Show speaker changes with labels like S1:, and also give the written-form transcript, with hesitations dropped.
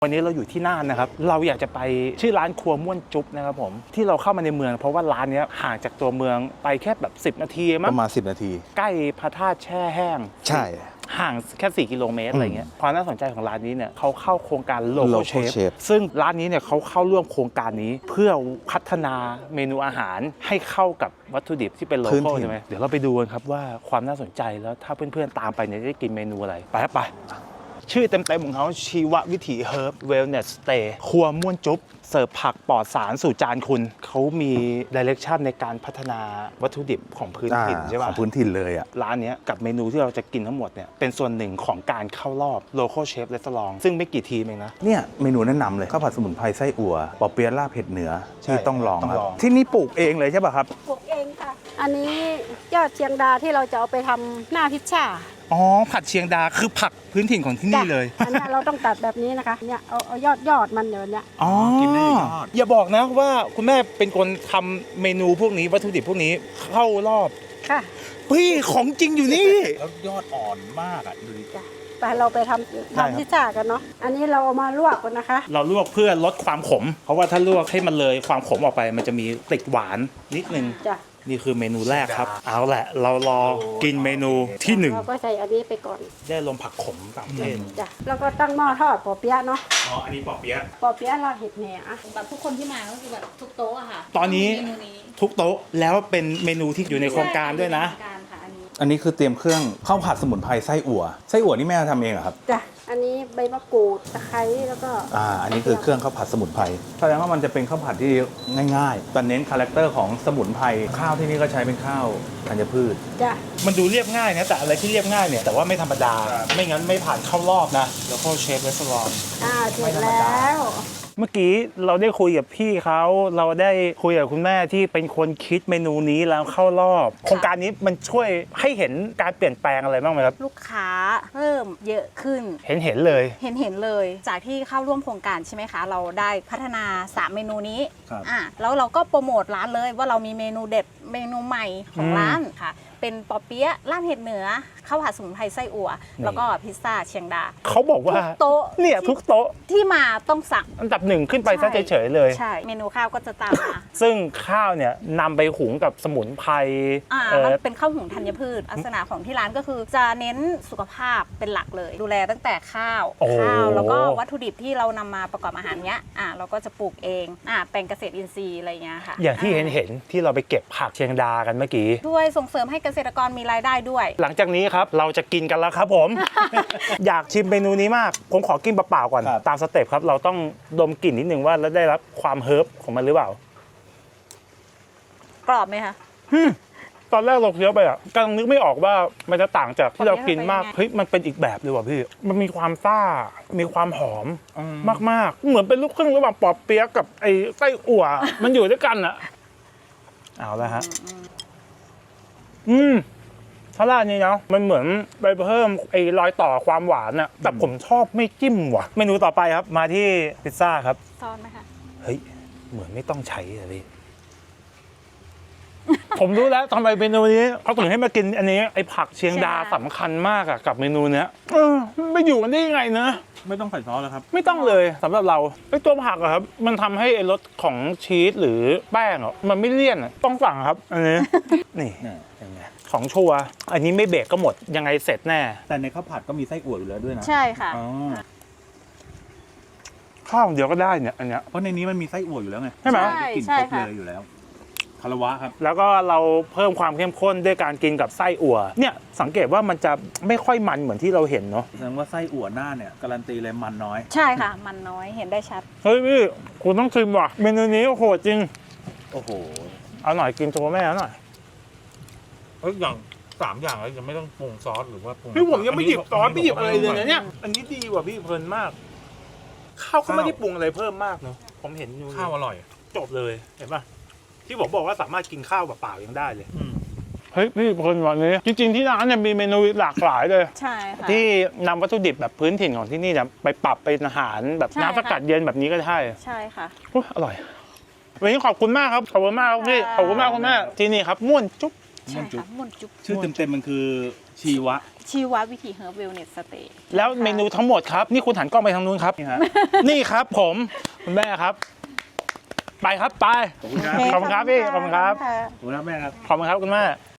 S1: วันนี้เราอยู่ที่น่านนะครับเราอยากจะไปชื่อร้านครัวม่วนจุ๊บนะครับผมที่เราเข้ามาในเมืองเพราะว่าร้านนี้ห่างจากตัวเมืองไปแค่แบบ10 นาทีมั้ง
S2: ประมาณ10 นาที
S1: ใกล้พระธาตุแช่แห้ง
S2: ใช่
S1: ห่างแค่4 กิโลเมตรอะไรเงี้ยความน่าสนใจของร้านนี้เนี่ยเขาเข้าโครงการ Local Chef ซึ่งร้านนี้เนี่ยเขาเข้าร่วมโครงการนี้เพื่อพัฒนาเมนูอาหารให้เข้ากับวัตถุดิบที่เป็นโลคอลใช่ไหมเดี๋ยวเราไปดูกันครับว่าความน่าสนใจแล้วถ้าเพื่อนๆตามไปเนี่ยจะได้กินเมนูอะไรไปครับไปชื่อเต็มๆของเขาชีววิถีเฮิร์บเวลเนสสเตย์ครัวม่วนจุ๊บเสิร์ฟผักปลอดสารสู่จานคุณเขามีดิเรกชันในการพัฒนาวัตถุดิบของพื้นถิ่นใช่ป่ะ
S2: ของพื้นถิ่นเลยอ่ะ
S1: ร้านนี้กับเมนูที่เราจะกินทั้งหมดเนี่ยเป็นส่วนหนึ่งของการเข้ารอบ Local Chef Restaurant ซึ่งไม่กี่ทีมเองนะ
S2: เนี่ยเมนูแนะนำเลยข้าวผัดสมุนไพรไส้อั่วปอเปี๊ยะลาบเผ็ดเหนือที่ต้องลองครับที่นี่ปลูกเองเลยใช่ป่ะครับ
S3: ปลูกเองค่ะอันนี้ยอดเชียงดาที่เราจะเอาไปทำหน้าพิซซ่า
S1: อ๋อผัดเชียงดาคือผักพื้นถิ่นของที่นี่เลย
S3: อันนี้เราต้องตัดแบบนี้นะคะเนี่ยเอายอดมันเดี๋ยวนี้
S1: อ๋อกินได้ยอดอย่าบอกนะว่าคุณแม่เป็นคนทำเมนูพวกนี้วัตถุดิบพวกนี้เข้ารอบ
S3: ค่ะ
S1: พี่ของจริงอยู่นี่
S2: แล้วยอดอ่อนมากอ่ะดูดิ
S3: ไปเราไปทำพิซซ่ากันเนาะอันนี้เราเอามาลวกกันนะคะ
S1: เราลวกเพื่อลดความขมเพราะว่าถ้าลวกให้มันเลยความขมออกไปมันจะมีติดหวานนิดนึง
S3: จ้ะ
S1: นี่คือเมนูแรกครับเอาแหละเรารอกินเมนูที่1
S3: เราก็ใส่อันนี้ไปก่อน
S1: ได้ลมผักขมต่างประเทศ
S3: จ้ะแล้วก็ตั้งหม้อทอดปอเปี๊ยะเนาะ
S1: อ๋ออันนี้ปอเปี๊ยะ
S3: เราเห็ดแหน
S4: แบบทุกคนที่มาก็คือแบบทุกโต๊ะอะค่ะ
S1: ตอนนี้ทุกโต๊ะแล้วเป็นเมนูที่อยู่ในโครงการด้วยนะ
S2: อันนี้คือเตรียมเครื่องข้าวผัดสมุนไพรไส้อั่วนี่แม่ทำเองเหรอครับ
S3: จ้ะอันนี้ใบมะกรูดตะไคร้แล้วก็
S2: อันนี้คือเครื่องข้าวผัดสมุนไพรแสดงว่ามันจะเป็นข้าวผัดที่ง่ายๆแต่เน้นคาแรคเตอร์ของสมุนไพรข้าวที่นี่ก็ใช้เป็นข้าวธัญพืช
S3: จ้ะ
S1: มันดูเรียบง่ายนะแต่อะไรที่เรียบง่ายเนี่ยแต่ว่าไม่ธรรมดาไม่งั้นไม่ผ่านเข้ารอบนะแล้วก็เชฟเรสซอร์
S3: เสร็จแล้ว
S1: เมื่อกี้เราได้คุยกับพี่เขาเราได้คุยกับคุณแม่ที่เป็นคนคิดเมนูนี้แล้วเข้ารอบโครงการนี้มันช่วยให้เห็นการเปลี่ยนแปลงอะไรบ้างไหมครับ
S4: ลูกค้าเพิ่มเยอะขึ้น
S1: เห็นเลย
S4: เลยจากที่เข้าร่วมโครงการใช่ไหมคะเราได้พัฒนา3เมนูนี้แล้วเราก็โปรโมทร้านเลยว่าเรามีเมนูเด็ดเมนูใหม่ของร้านค่ะเป็นปอเปี๊ยะลาบเห็ดเหนือข้าวผัดสมุนไพรไส้อั่วแล้วก็พิซซ่าเชียงดา
S1: เขาบอกว่า
S4: โต๊ะ
S1: เนี่ยทุกโต๊ะ
S4: ที่มาต้องสั่ง
S1: อันดับ1ขึ้นไปซะเฉยๆเลย
S4: ใช่เมนูข้าวก็จะตามมา
S1: ซึ่งข้าวเนี่ยนำไปหุงกับสมุนไพร
S4: มันเป็นข้าวหุงธัญพืชลักษณะของที่ร้านก็คือจะเน้นสุขภาพเป็นหลักเลยดูแลตั้งแต่ข้าวแล้วก็วัตถุดิบที่เรานำมาประกอบอาหารเนี้ยเราก็จะปลูกเองแปลงเกษตรอินทรีย์อะไรเงี้ยค่ะ
S1: อย่างที่เห็นที่เราไปเก็บผักเชียงดากันเมื่อกี้
S4: ด้วยส่งเสริมให้เกษตรกรมีรายได้ด้วย
S1: หลังจากนี้ครับเราจะกินกันแล้วครับผม อยากชิมเมนูนี้มากผมขอกินเปล่าๆก่อนตามสเต็ปครับเราต้องดมกลิ่นนิดนึงว่าแล้วได้รับความเฮิร์บของมันหรือเปล่าก
S4: รอบไหมคะ
S1: ตอนแรกเราเคี้ยวไปกำลังนึกไม่ออกว่ามันจะต่างจากที่เรากินมากเฮ้ยมันเป็นอีกแบบเลยว่ะพี่มันมีความซ่ามีความหอมมากๆเหมือนเป็นลูกครึ่งระหว่างปอเปี๊ยะกับไอ้ไส้อั่วมันอยู่ด้วยกันอะเอาละฮะถ้าร้านนี้นะมันเหมือนไปเพิ่มไอ้รอยต่อความหวานอะแต่ผมชอบไม่จิ้มว่ะเมนูต่อไปครับมาที่พิซซ่าครับ
S4: ซอสไหมคะ
S1: เฮ้ยเหมือนไม่ต้องใช้เลย ผมรู้แล้วทำไมเมนูนี้เขาถึงให้มากินอันนี้ไอ้ผักเชียงดาสำคัญมากอะกับเมนูเนี้ยไม่อยู่กันได้ยังไงนะ
S2: ไม่ต้องใส่ซอสแล้วครับ
S1: ไม่ต้องเลยสำหรับเราไอ้ตัวผักอะครับมันทำให้ไอ้รสของชีสหรือแป้งอะมันไม่เลี่ยนต้องสั่งครับอันนี้ นี่ยังไงของชัวอันนี้ไม่เบรกก็หมดยังไงเสร็จแน่
S2: แต่ในข้าวผัดก็มีไส้อั่วอยู่แล้วด้วยนะ
S4: ใช่ค่ะ
S1: ข้าวเดียวก็ได้เนี่ยอันเนี้ย
S2: เพราะในนี้มันมีไส้อั่วอยู่แล้วไง
S1: ใช่ไหม
S2: กลิ่นครบเลยอยู่แล้วคารวะครับ
S1: แล้วก็เราเพิ่มความเข้มข้นด้วยการกินกับไส้อั่วเนี่ยสังเกตว่ามันจะไม่ค่อยมันเหมือนที่เราเห็นเนาะ
S2: แสดงว่าไส้อั่วหน้าเนี่ยการันตีเลยมันน้อย
S4: ใช่ค่ะมันน้อยเห็นได้ชัด
S1: เฮ้ยพี่คุณต้องชิมว่ะเมนูนี้โหดจริง
S2: โอ้โห
S1: เอาหน่อยกินตัวแม่หน่อย
S5: อย่าง3อย่างแล้วยังไม่ต้องปรุงซอสหรือว่าปรุง
S1: พี่ผมยังไม่หยิบซอสไม่หยิบอะไรเลยนะเนี่ยอันนี้ดีกว่าพี่เพลินมากข้าวก็ไม่ได้ปรุงอะไรเพิ่มมากเนาะผมเห็นอยู่
S5: ข้าวอร่อย
S1: จบเลยเห็นป่ะที่ผมบอกว่าสามารถกินข้าวเปล่าๆยังได้เลยเฮ้ยพี่คนวันนี้จริงๆที่ร้านเนี่ยมีเมนูหลากหลายเลย
S4: ใช่ค่ะ
S1: ที่นำวัตถุดิบแบบพื้นถิ่นของที่นี่เนี่ยไปปรับเป็นอาหารแบบน้ำสกัดเย็นแบบนี้ก็ได้
S4: ใช่ค่ะ
S1: อร่อยวันนี้ขอบคุณมากครับขอบคุณมากครับพี่ขอบคุณมากคุณแม่ที่นี่ครับม่วนจุ๊บ
S4: ใช่ค่ะม่วนจุ๊บ
S2: ชื่อเต็มๆมันคือชีว
S4: ชีววิถีเฮิร์บเวลเนสสเตย์
S1: แล้วเมนูทั้งหมดครับ นี่คุณหันกล้องไปทางนู้นครับ นี่ครับผมคุณแม่ครับ ไปครับไป
S2: ขอบคุณครับ
S1: ขอบคุณครับพี่ขอบคุณครับ
S2: ขอบคุณครับแม่ครับ
S1: ขอบคุณครับคุณแม่